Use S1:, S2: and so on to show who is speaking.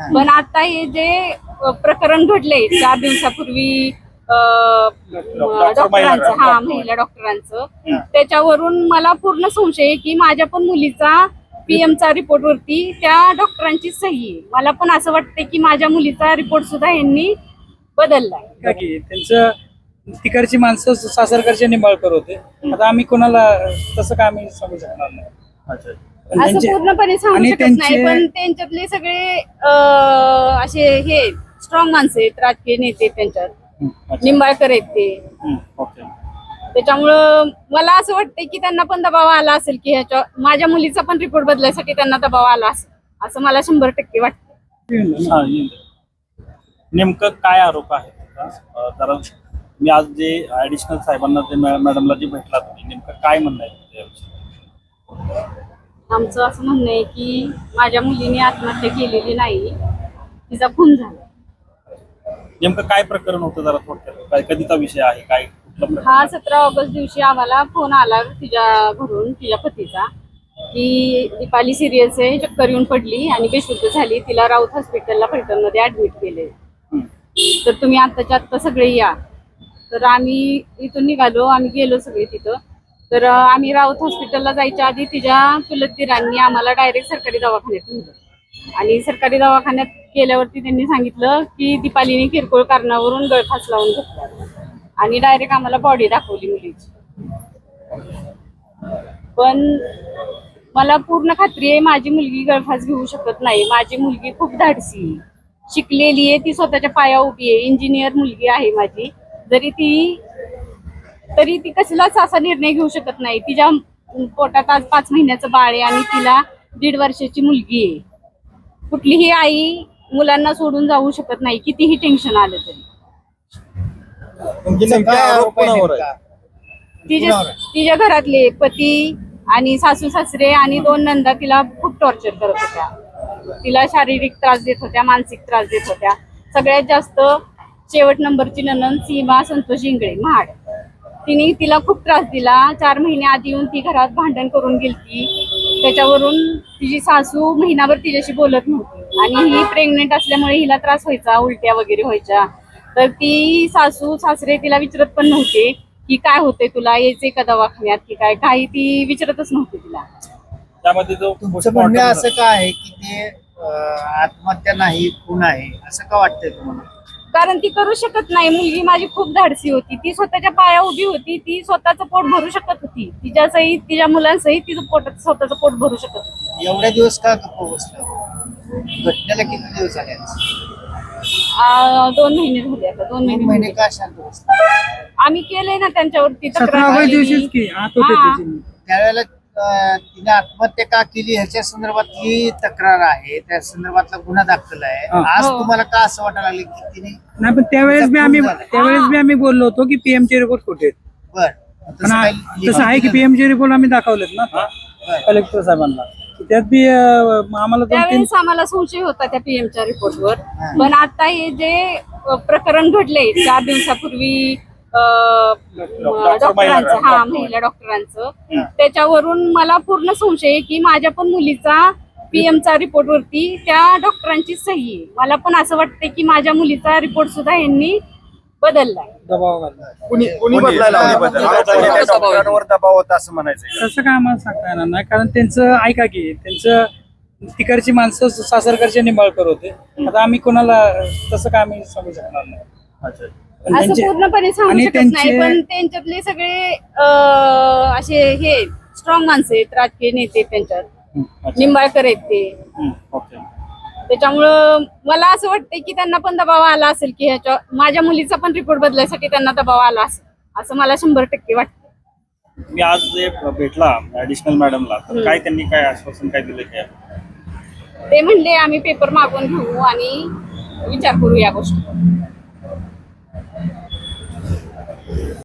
S1: पण आता हे जे प्रकरण घडले 4 दिवसापूर्वी डॉक्टरांचं, महिला डॉक्टरांचं, त्याच्यावरून मला पूर्ण संशय आहे की माझ्या पण मुलीचा पीएमचा रिपोर्ट वरती त्या डॉक्टरांची सही आहे. मला पण असं वाटतं की माझ्या मुलीचा रिपोर्ट सुद्धा यांनी बदललाय.
S2: त्यांचं तिकडची माणसं सासरकडचे निंबाळकर होते. आता आम्ही कोणाला तसं काय आम्ही सांगू शकणार नाही.
S1: असं पूर्णपणे सांगू शकत नाही, पण त्यांच्यातले सगळे असे हे स्ट्रॉंग माणसं आहेत, राजकीय नेते त्यांच्यात निंबाळकर आहेत ते. त्याच्यामुळं मला असं वाटतंय की त्यांना पण दबाव आला असेल की ह्याच्या माझ्या मुलीचा पण रिपोर्ट बदलायसाठी त्यांना दबाव आला असेल असं मला 100% वाटतं.
S3: नेमकं काय आरोप आहे जरा मी आज जे ऍडिशनल साहेबांना ते मॅडमला जे भेटला तुम्ही नेमकं काय म्हणणं आहे?
S1: आमचं असं म्हणणं आहे की माझ्या मुलीने आत्महत्या केलेली नाही, तिचा खून झाला.
S3: नेमकं काय प्रकरण होतं जरा थोडक्यात, काय कधीचा विषय आहे, काय
S1: हा 17 ऑगस्ट दिवशी आम्हाला फोन आला तिच्या घरून, तिच्या पतीचा, की दीपाली सिरियस आहे, चक्कर येऊन पडली आणि बेशुद्ध झाली, तिला राऊत हॉस्पिटलला फलटणमध्ये ऍडमिट केले, तर तुम्ही आत्ताच्या आत्ता सगळे या. तर आम्ही इथून निघालो, आम्ही गेलो सगळे तिथं. तर आम्ही राऊत हॉस्पिटलला जायच्या आधी तिच्या चुलत दिरांनी आम्हाला डायरेक्ट सरकारी दवाखान्यात नेलं आणि सरकारी दवाखान्यात गेल्यावरती त्यांनी सांगितलं की दीपालीने किरकोळ कारणावरून गळफास लावून घेतला आणि डायरेक्ट आम्हाला बॉडी दाखवली मुलीची. पण मला पूर्ण खात्री आहे माझी मुलगी गळफास घेऊ शकत नाही. माझी मुलगी खूप धाडसी, शिकलेली आहे, ती स्वतःच्या पाया उभी आहे, इंजिनियर मुलगी आहे माझी. तरी ती कसलाच असा निर्णय घेऊ शकत नाही. तिच्या पोटात आज 5 महिन्याचं बाळ आहे आणि तिला 1.5 वर्षाची मुलगी आहे. कुठलीही आई मुलांना सोडून जाऊ शकत नाही कितीही टेन्शन आलं तरी. तिच्या घरातले पती आणि सासू सासरे आणि 2 नंदा तिला खूप टॉर्चर करत होत्या. तिला शारीरिक त्रास देत होत्या, मानसिक त्रास देत होत्या. सगळ्यात जास्त शेवट नंबरची ननंद सीमा संतोष इंगळे महाड, तिने तिला खूप त्रास दिला. 4 महिने आधी येऊन ती घरात भांडण करून गेलती. त्याच्यावरून तिची सासू महिनाभर तिच्याशी बोलत नव्हती आणि ही प्रेग्नेंट असल्यामुळे हिला त्रास व्हायचा, उलट्या वगैरे व्हायच्या. तर ती सासू सासरे तिला विचारत पण नव्हते की काय होते तुला, यायचंय का दवाखान्यात की काय, काही ती विचारतच नव्हती तिला.
S3: त्यामध्ये
S4: तुमचं म्हणणं असं का आहे की ते आत्महत्या नाही खून आहे असं का वाटतंय तुम्हाला?
S1: कारण ती करू शकत नाही. मुलगी माझी खूप धाडसी होती, ती स्वतःच्या पाया उभी होती, ती स्वतःचं पोट भरू शकत होती, तिच्या सहित तिच्या मुलांसहित तिचं स्वतःचं पोट भरू शकत होती.
S4: एवढ्या दिवस का गप्प बसला? घटनेला किती दिवस झाले?
S1: 2 महिने झाले आता. 2 महिने
S4: का शांत बसला?
S1: आम्ही केलंय ना त्यांच्यावरती
S2: त्यावेळेला
S4: तिने आत्महत्या का केली ह्याच्या संदर्भात ही तक्रार आहे, त्या संदर्भातला गुन्हा दाखल आहे. आज तुम्हाला का असं वाटायला लागले की तिने
S2: नाही, पण त्यावेळेस बी आम्ही बोललो होतो की पीएमचे रिपोर्ट कुठे आहेत. तसं आहे की पीएमचे रिपोर्ट आम्ही दाखवलेत ना कलेक्टर साहेबांना. त्यात बी आम्हाला
S1: त्यावेळेस आम्हाला संशय होता त्या पीएमच्या रिपोर्टवर. पण आता हे जे प्रकरण घडले 4 दिवसापूर्वी डॉक्टरांचं, महिला डॉक्टरांचं, त्याच्यावरून मला पूर्ण संशय आहे की माझ्या पण मुलीचा पीएमचा रिपोर्ट वरती त्या डॉक्टरांची सही आहे. मला पण असं वाटतंय की माझ्या मुलीचा रिपोर्ट सुद्धा यांनी बदललाय.
S2: दबाव
S3: दबाव होता असं म्हणायचं.
S2: तसं काय आम्हाला सांगता येणार नाही, कारण त्यांचं ऐका की त्यांचं तिकडची माणसं सासरकडचे निंबाळकर होते. आता आम्ही कोणाला तसं काय आम्ही सांगू शकणार नाही.
S1: असं पूर्णपणे सांगू शकत नाही, पण त्यांच्यातले सगळे असे हे स्ट्रॉंग माणसं आहेत, राजकीय नेते त्यांच्यात निंबाळकर आहेत ते. त्याच्यामुळं मला असं वाटतंय की त्यांना पण दबाव आला असेल की ह्याच्या माझ्या मुलीचा पण रिपोर्ट बदलायसाठी त्यांना दबाव आला असेल असं मला 100% वाटतं.
S3: मी आज जे भेटला ऍडिशनल मॅडमला, तर काय त्यांनी काय आश्वासन काय दिलं काय?
S1: ते म्हणले आम्ही पेपर मागून घेऊ आणि विचार करू या गोष्टी.